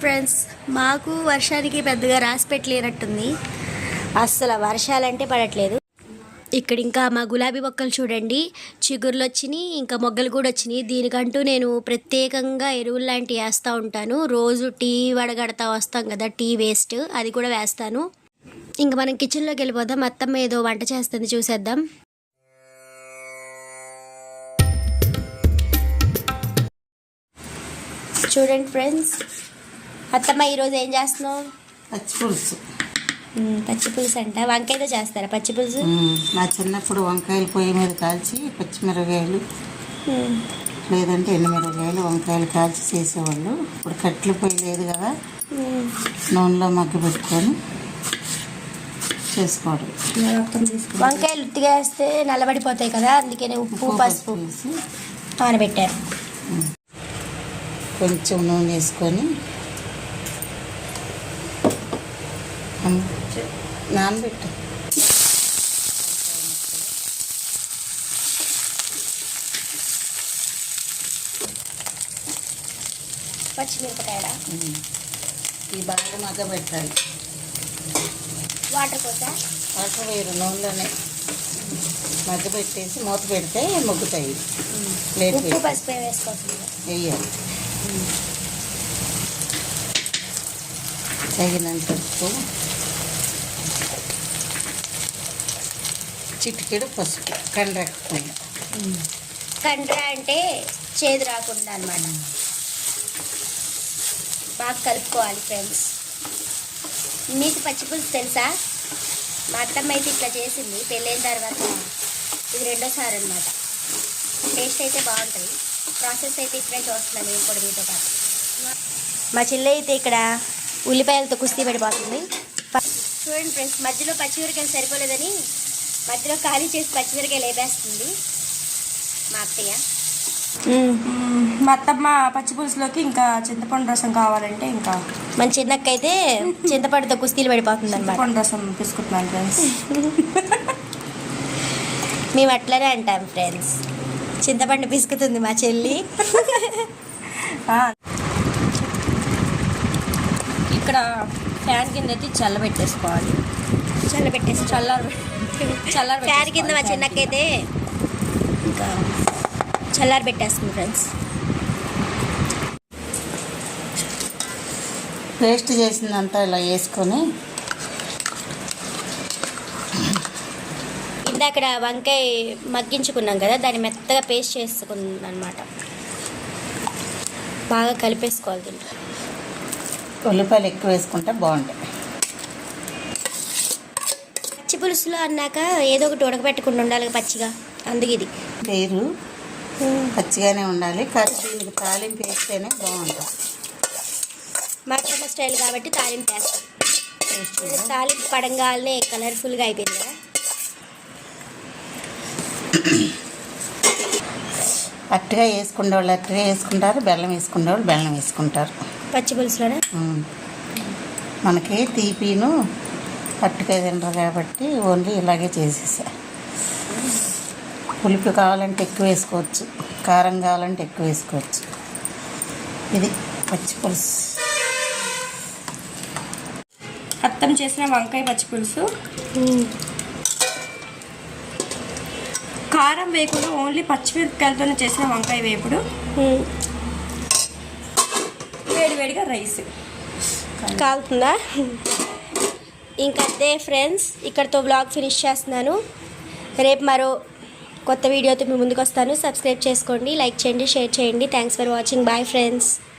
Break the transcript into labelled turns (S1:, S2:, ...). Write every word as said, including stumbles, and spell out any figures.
S1: చూడండి ఫ్రెండ్స్, మాకు వర్షానికి పెద్దగా రాసి పెట్టలేనట్టుంది. అస్సలు వర్షాలంటే పడట్లేదు. ఇక్కడ ఇంకా మా గులాబీ మొక్కలు చూడండి, చిగుర్లు వచ్చినాయి, ఇంకా మొగ్గలు కూడా వచ్చినాయి. దీనికంటూ నేను ప్రత్యేకంగా ఎరువులు లాంటివి వేస్తూ ఉంటాను. రోజు టీ వడగడతా వస్తాం కదా, టీ వేస్ట్, అది కూడా వేస్తాను. ఇంకా మనం కిచెన్లోకి వెళ్ళిపోదాం. అత్తమ్మ ఏదో వంట చేస్తుంది, చూసేద్దాం. చూడండి ఫ్రెండ్స్, అత్తమ్మ ఈరోజు ఏం చేస్తున్నావు?
S2: పచ్చి పులుసు.
S1: పచ్చి పులుసు అంట. వంకాయతో చేస్తారా పచ్చి పులుసు?
S2: నా చిన్నప్పుడు వంకాయలు పొయ్యి మీద కాల్చి పచ్చిమిరపకాయలు లేదంటే ఎండుమిరపకాయలు వంకాయలు కాల్చి చేసేవాళ్ళు. ఇప్పుడు కట్టెల పొయ్యి లేదు కదా, నూనెలో మగ్గ పెట్టుకొని చేసుకోవడం.
S1: వంకాయలు ఉత్తిగా వేస్తే నల్లబడిపోతాయి కదా, అందుకనే ఉప్పు పసుపు వేసి నానబెట్టారు.
S2: కొంచెం నూనె వేసుకొని నానబెట్టు.
S1: పచ్చిమిరపకాయల
S2: ఈ బాగా మగ్గ పెట్టాలి.
S1: వాటర్ పోసా?
S2: వాటర్ వేరు, నూనెలోనే మగ్గ పెట్టేసి మూత పెడితే మొగ్గుతాయి. ప్లేట్
S1: ఉప్పు పసుపు వేసుకోవాలి,
S2: వేయాలి. తగినంత ఉప్పు, చిటికెడు పసుపు, కండ్రకుండా.
S1: కండ్ర అంటే చేదు రాకుండా అన్నమాట. బాగా కలుపుకోవాలి ఫ్రెండ్స్. మీకు పచ్చి పులుసు తెలుసా? మా అత్తమ్మ అయితే ఇట్లా చేసింది పెళ్ళైన తర్వాత. ఇది రెండోసారి అనమాట. టేస్ట్ అయితే బాగుంటుంది. ప్రాసెస్ అయితే ఇప్పుడే చూస్తున్నాను నేను కూడా మీతో పాటు. మా చెల్లి అయితే ఇక్కడ ఉల్లిపాయలతో కుస్తీ పడిపోతుంది. చూడండి ఫ్రెండ్స్, మధ్యలో పచ్చిమిరకాయలు సరిపోలేదని మధ్యలో ఖాళీ చేసి పచ్చిమిరకాయలు వేపేస్తుంది మా అత్తయ్య.
S3: మా అత్తమ్మ పచ్చి పులుసులోకి ఇంకా చింతపండు రసం కావాలంటే ఇంకా
S1: మన చిన్నక్క అయితే చింతపండుతో కుస్తీలు పడిపోతుంది అనమాట.
S3: చింతపండు రసం తీసుకుంటున్నాను ఫ్రెండ్స్.
S1: మేము అట్లనే అంటాం ఫ్రెండ్స్. చింతపండు పిసుకుతుంది మా చెల్లి.
S3: ఇక్కడ ఫ్యాన్ కింద అయితే చల్లబెట్టేసుకోవాలి.
S1: చల్లబెట్టేసి
S3: చల్లారి చల్లారి
S1: ఫ్యాన్ కింద మా చిన్నకైతే ఇంకా చల్లారి పెట్టేస్తుంది ఫ్రెండ్స్.
S2: పేస్ట్ చేసిందంతా ఇలా వేసుకొని
S1: ఇందాక వంకాయ మగ్గించుకున్నాం కదా, దాన్ని మెత్తగా పేస్ట్ చేసుకున్నాం అనమాట. బాగా కలిపేసుకోవాలి దీంట్లో.
S2: ఉల్లిపాయలు ఎక్కువ వేసుకుంటే బాగుంటాయి.
S1: పచ్చి పులుసులో అన్నాక ఏదో ఒకటి ఉడకబెట్టకుండా ఉండాలి పచ్చిగా, అందుకు ఇది
S2: పేరు పచ్చిగానే ఉండాలి. కానీ దీనికి తాలింపు వేస్తేనే బాగుంటుంది.
S1: మటన్ స్టైల్ కాబట్టి తాలింపు వేస్తాం. తాలింపు పడంగానే కలర్ఫుల్గా అయిపోయింది కదా.
S2: అట్టుగా వేసుకునే వాళ్ళు అట్టుగా వేసుకుంటారు, బెల్లం వేసుకునే వాళ్ళు బెల్లం వేసుకుంటారు
S1: పచ్చి పులుసులోనే.
S2: మనకి తీపిను అట్టుగా తినరు కాబట్టి ఓన్లీ ఇలాగే చేసేసా. పులుపు కావాలంటే ఎక్కువ వేసుకోవచ్చు, కారం కావాలంటే ఎక్కువ వేసుకోవచ్చు. ఇది పచ్చి పులుసు.
S3: అత్తం చేసిన వంకాయ పచ్చి పులుసు. కారం వేయకుండా ఓన్లీ పచ్చిమిరపకాయలతోనే చేసిన వంకాయ వేపుడు. వేడివేడిగా రైస్
S1: కాలుతుందా? ఇంకా అదే ఫ్రెండ్స్, ఇక్కడితో బ్లాగ్ ఫినిష్ చేస్తున్నాను. రేపు మరో కొత్త వీడియోతో మీ ముందుకు వస్తాను. సబ్స్క్రైబ్ చేసుకోండి, లైక్ చేయండి, షేర్ చేయండి. Thanks for watching. Bye friends.